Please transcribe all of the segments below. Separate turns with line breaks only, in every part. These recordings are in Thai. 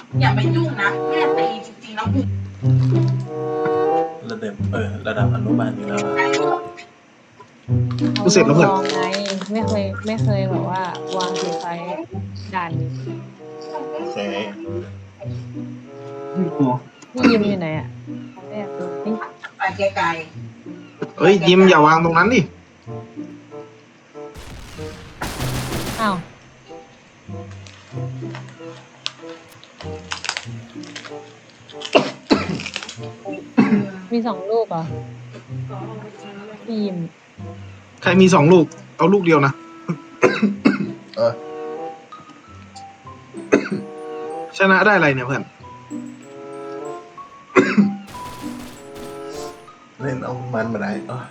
อย่าไปยุ่งนะแม่ตีจริงๆแล้วคือ
ระดับอนุบาลอยู่แล้วอะ
กูเสร็จแล้วเพื่อน
ลองไงไม่เคยแบบว่าวางสีไฟด่านนี้
โอเค
พี่ยิมอยู่ไหนอ่ะไม่อยากดูนี่
ไปไกล
เฮ้ยยิมอย่าวางตรงนั้นดิ
อ้าวมี2 ลูกเหรอพี่ยิม
ใครมี2 ลูก เอาลูกเดียวนะ
เออ
ชนะได้อะไรเนี่ยเพื่อน
เล่นเอามันมาได้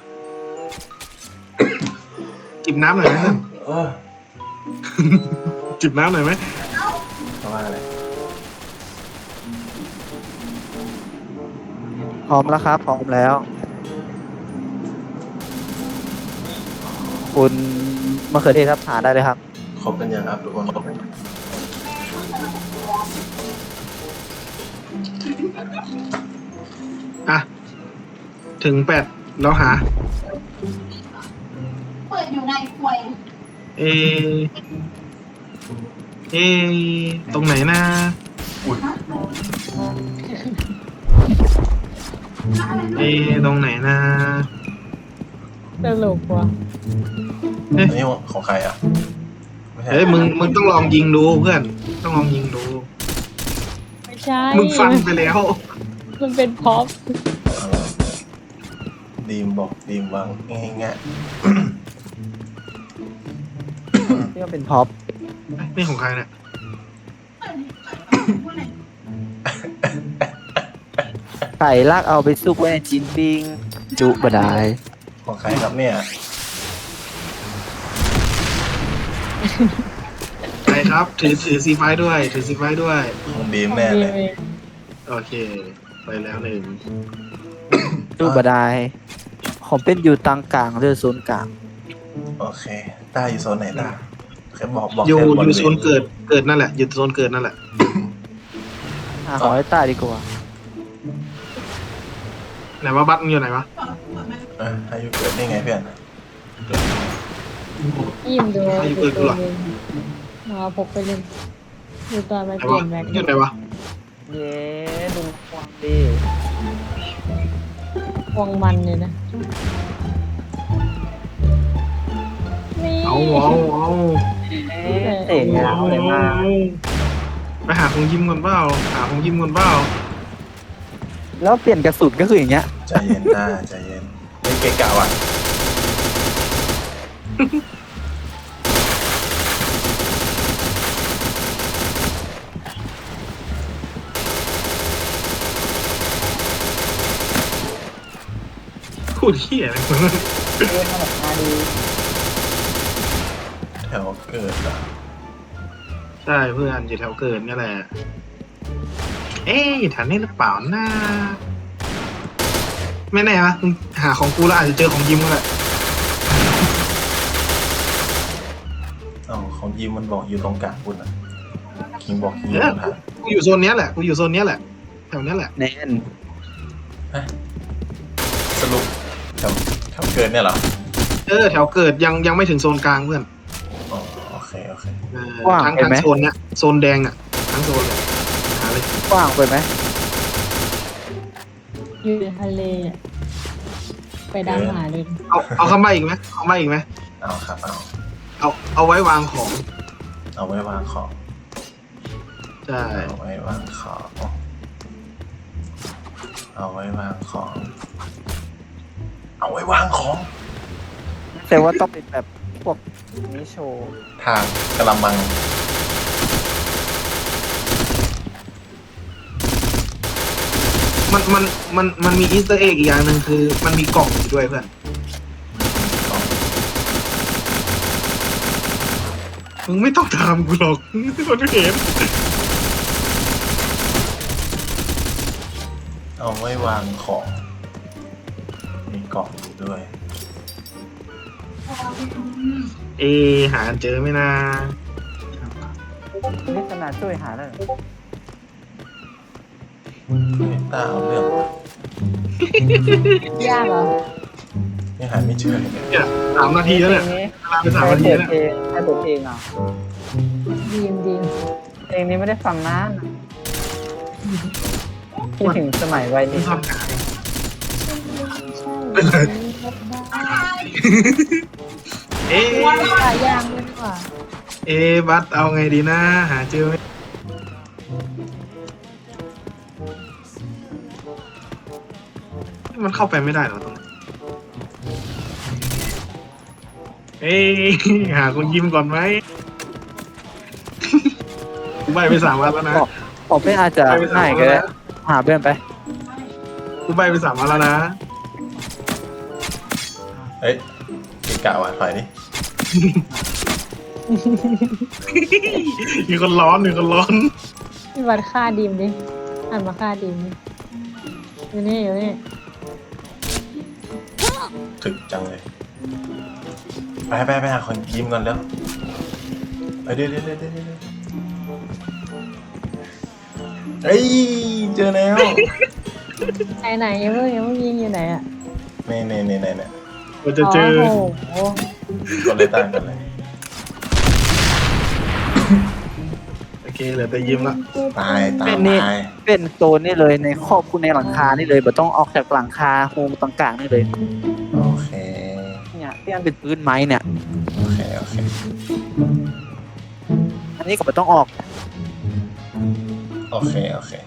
จิบน้ำหน่อยไหมเพื่อน
เออ
จิบน้ำหน่อยไหม
เพราะว่าอะไร
พร้อมแล้วครับ พร้อมแล้ว คุณมะเขือเทศครับหาได้เลยครับ
ครบกันยังครับทุกคนครบกัน
อ่ะ ถึง8แล้วหา
ๆเปิดอยู่ในควย
เอ เอ ตรงไหนนะ
อุ้ย
เอ ตรงไหนนะ
ตลกว่ะ
อันนี้ของใครอ่ะไม่ใช่
เฮ้ยมึงต้องลองยิงดูเพื่อน ต้องลองยิงดู
ไม่ใช่
มึงฟันไปแล้ว
มันเป็นพ็อป
เออดีมบอกดีมวางง่าย
นี่ก็เป็นพ็อป
นี่ของใครเนี่ย
ไก่ลากเอาไปซุกไว้ในจินปิง จุบดาย
ๆของใครครับเนี่ย
ใครครับ ถือซีไฟด้วย ถือซีไฟด้วย
ของดีมแน่เลย
โอเค ไปแล้ว1
จุบดายผมเป็นอยู่ตังกลางเรือโซนกลาง
โอเคต้าอยู่โซนไหนต้าแค่บอก
อยู่
แค่บ
อยู่
ริวณ
โซนเกิดนั่นแหละ อยู่โซนเกิดนั่นแหละ
หาหอยใต้ดีกว่า
ไหนว่าบัตรมึงอยู่ไหนวะ
อายุเกิดได้ไงเพื่อน
พี่ยิมดู
อายุเกินกูเหรอ
มาพกไปเล่นดูตอนมา
ไหน
เปลี่
วะ
ยนแม็ก
อยู่ไหนวะ
เย้ดูความดี
วงมันเลยนะนี่
เอา
เตะงามเลยมาก
ไปหาของยิมก่อนเปล่า หาของยิมก่อนเปล่า
แล้วเปลี่ยนกระสุนก็คืออย่างเงี้ย
ใจเย็นต้าใจเย็นไม่เกะกะว่ะ
พูดเหี้ยอะไรมึง
เล่นมาแบบมาดี
แถวเกิดอ่ะ
ใช่เพื่อนอยู่แถวเกิดนี่แหละ เอ๊ะอยู่แถวนี้หรือเปล่านะไม่แน่นะมึงหาของกูแล้วอาจจะเจอของยิมก็แหละ
ของยิมมันบอกอยู่ตรงกลางคุณอ่ะคิงบอกอยู่ตรงทาง
กูอยู่โซนเนี้ยแหละ กูอยู่โซนเนี้ยแหละ แถวเนี้ยแหละ
แน่น
สรุปแถวเกิดเนี่ยเหรอ
แถวเกิดยังไม่ถึงโซนกลางเพื่อน
อ๋อโอเคโอเค
ทั้งโซนเนี้ย โซนแดงอ่ะ ทั้งโซนเลยหาเลย
กว้างไปไหม
อยู่ในทะเลอะไปดังหาเลย
เอาเข้ามาอีกไหมเอามาอีกไหม
เอาครับ
เอาไว้วางของ
เอาไว้วางของ
ใช่
เอาไว้วางของเอาไว้วางของเอาไว้วางของ
แต่ว่าต้องเป็นแบบพวกนี้โชว์
ทางกระมัง
มันมีอีสเตอร์เอ็กอีกอย่างหนึ่งคือ มันมีกล่องอยู่ด้วยเพื่อน มึงไม่ต้องถามกูหรอกคนเห็น
เอาไว้วางของ มีกล่องอยู่ด้วย
หาเจอไหมนะ
นี่ขนาดช่วยหาได้
เฮ้ยตาเอาเรื่องว่ะ
ยากเหรอ
ยังหาไม่เจอเลย
เนี่ย3 นาทีแล้วเนี่ยเวลาไป3 นาทีแล้วเนี่ย
ใครเปิดเพลงอ่ะ
ดีมดีม
เพลงนี้ไม่ได้ฟังนานอะคิดถึงสมัยวัย
ไม่
นี้
ชอบหา
ใช่
เอ๊ะ
ปลายางด้วยดีกว่า
บัสเอาไงดีนะหาเจอไหมมันเข้าไปไม่ได้เหรอตรงนั้นหาคนยิ้มก่อนไหมกูใบไป3 วันแล้วนะ
ผมเป็นอาจจะง่ายก็ได้หาเพื่อนไป
กูใบไป3 วันแล้วนะ
เฮ้ยเกะกะว่ะถอยดิ
มีคนร้อนมีคนร้อน
พี่วัดค่าดีมดิหันมาค่าดีมดิอยู่นี่อยู่นี่
ถึกจังเลยไปหาคนยิ้มก่อนแล้วไปเดี๋ยวเฮ้ยเจอแล้ว
ไหนยังไม่ยิงอยู่ไหนอ่ะ
นี่
เราจะเจอ
โอ้โห
กดเลยตั้งกันเลย
โอเคเหลือแต่ยิ้มละ
ตาย
เป็นโซนนี่เลยในครอบครัวในหลังคานี่เลยแบบต้องออกจากหลังคาโฮมต่างๆนี่เลย
โอเค
เนี่ยที่มันเป็นพื้นไม้เนี่ย
โอเค
อันนี้ก็ไม่ต้องออก
โอเค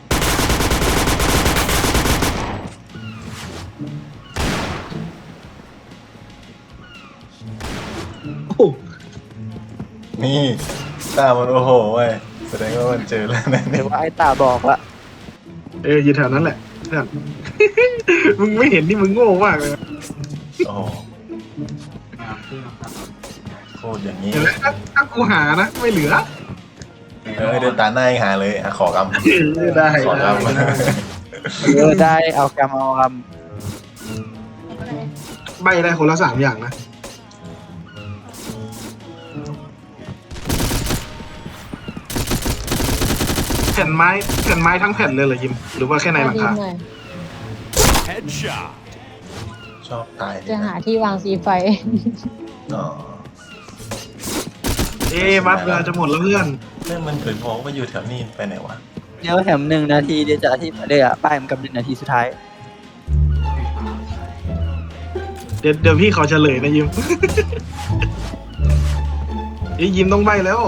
โอ้โห
นี่ตามันโอ้โหเว้ยแสดงว่ามันเจอแล้วนะ
ห
เนี่
รื
ย
อว่าไอ้ตาบอกละ
อยู่แถวนั้นแหละเพื่อน มึงไม่เห็นที่มึงโง่มากเลย
โอ้โหโคตรอย่างนี้
เห็นไหมถ้ากูหานะไม่เหลือ
เดินตาหน้ายังหาเลยขอกำ
ได้
ขอก
ได้เอากรรมเอากรรม
ใบได้คนละ3 อย่างนะแผ่นไม้ทั้งแผ่นเลยเหรอยิมหรือว่าแค่ในหลัง
ดี
คาม
หน่อย
Headshot.
ชอบตาย
จะหาที่วางสีไฟ
อ๋อ
บัสเวลาจะหมดแล้วเพื่อน
เรื่องมันเผยบอกว่าอยู่แถวนี้ไปไหนวะ
เดี๋ยวแถม1 นาทีเดี๋ยวจะอธิบายเลยอ่ะป้ายมันกับ1 นาทีสุดท้าย
เดี๋ยวพี่ขอเฉลยนะยิม ยิมต้องใบแล้ว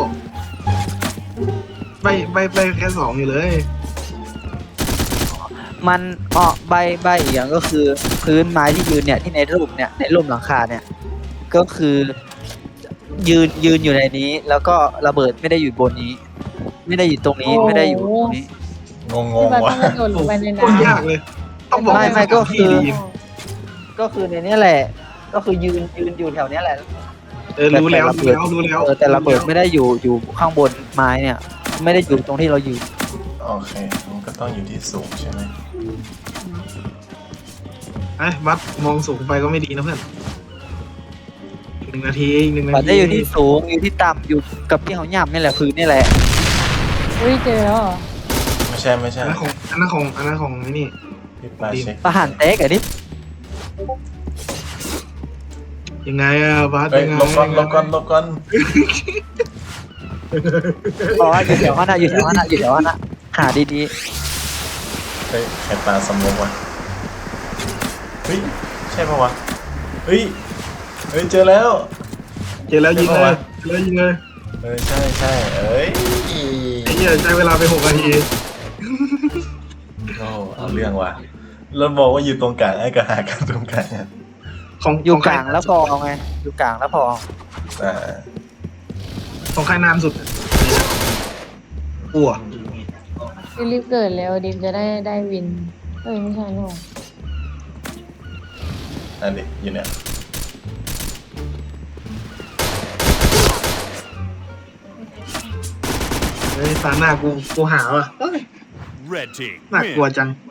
ใบแค่2อยู่เลย
มันใบอีกอย่างก็คือพื้นไม้ที่ยืนเนี่ยที่ในรูปเนี่ยในรูปหลังคาเนี่ยก็คือยืนอยู่ในนี้ แล้วก็ระเบิดไม่ได้อยู่บนนี้ ไม่ได้อยู่ตรงนี้
โอ้
ไม่ได้อยู่ตรงนี้
ง
พี่วัด
วะ
ต้องกระโดดลงไปใน
โคตรยาก
น้ำ
เลย ต้องบอก
ไม่ก็คือ
ให้ยิม
ก็คือในนี้แหละ ก็คือยืนอยู่แถวเนี้ยแหละ
รู้แล้ว
แต่ระเบิดไม่ได้อยู่ข้างบนไม้เนี่ย ไม่ได้อยู่ตรงที่เราอยู่
โอเคมันก็ต้องอยู่ที่สูงใช่ไหม
บัสมองสูงไปก็ไม่ดีนะเพื่อน1 นาที1 นา
มัน
ที
ได้อยู่ที่สูงอยู่ที่ต่ำอยู่กับที่เขาย่ำนี่แหละพื้นนี่แหละ
อุ้ยเจอแล้วเหรอ
ไม่ใช่
อันนั้นของนี่
พี่ปลาเช็ค
ประหารเต๊กอะดิ
ยังไงบัส
เฮ้ย
ยังไง
ลบก่อน
บอกว่าอยู่แถวนั้นอยู่แถวนั้นหาดี
เฮ้ยใครปลาสมองวะเฮ้ยใช่ปะวะเฮ้ยเจอแล้ว
เจอแล้วยิงเลย
ใช่เอ้ย
ไอ้เหี้ยใช้เวลาไป6 นาที
โอ้เอาเรื่องว่ะแล้วบอกว่าอยู่ตรงกลางไอ้ก็หากันตรงกลางอ่ะ
ๆอยู่กลางแล้วพอไงอยู่กลางแล้วพอ
อ่า
ของใครนานสุดอ้ว
รีบเกิดแล้วดิมจะได้วินเอ้ยไม่ใช่นี่หว่า
อันนี้อยู่เนี่ย
ตาหน้ากูหาว่ะ
Red team.
น่ากลัว
Win.
จัง